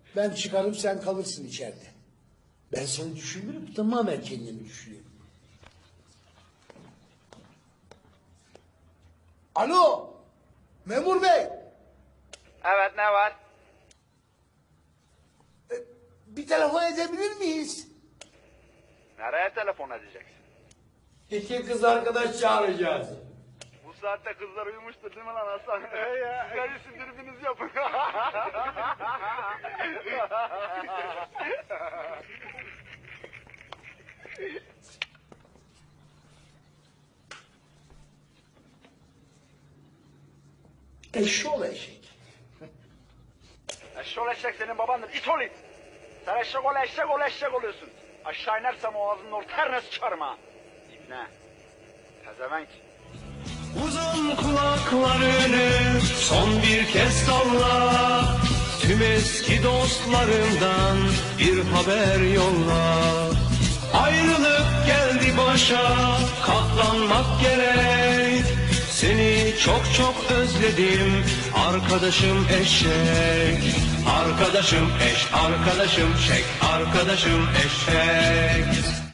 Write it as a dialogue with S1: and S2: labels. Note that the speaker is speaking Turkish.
S1: Ben çıkarım, sen kalırsın içeride. Ben seni düşünürüm, tamamen kendimi düşünüyorum. Alo, memur bey.
S2: Evet, ne var?
S1: Bir telefon edebilir miyiz?
S2: Nereye telefon edeceksin?
S3: İki kız arkadaş çağıracağız.
S2: Bu saatte kızlar uyumuştur değil mi lan Hasan? Sigara sindiribiniz yapın.
S1: Eşşoğlu eşek.
S2: Eşşoğlu eşek senin babandır. İt ol it. Sen eşek ol eşek ol eşek oluyorsun. Aşağı inersem o ağzının orta her sıçarım ha. İbne. Pezevenk.
S4: Uzun kulaklarını son bir kez salla. Tüm eski dostlarından bir haber yolla. Ayrılık geldi başa, katlanmak gerek. Seni çok çok özledim arkadaşım eşek. Arkadaşım eş, arkadaşım şek, arkadaşım eşek.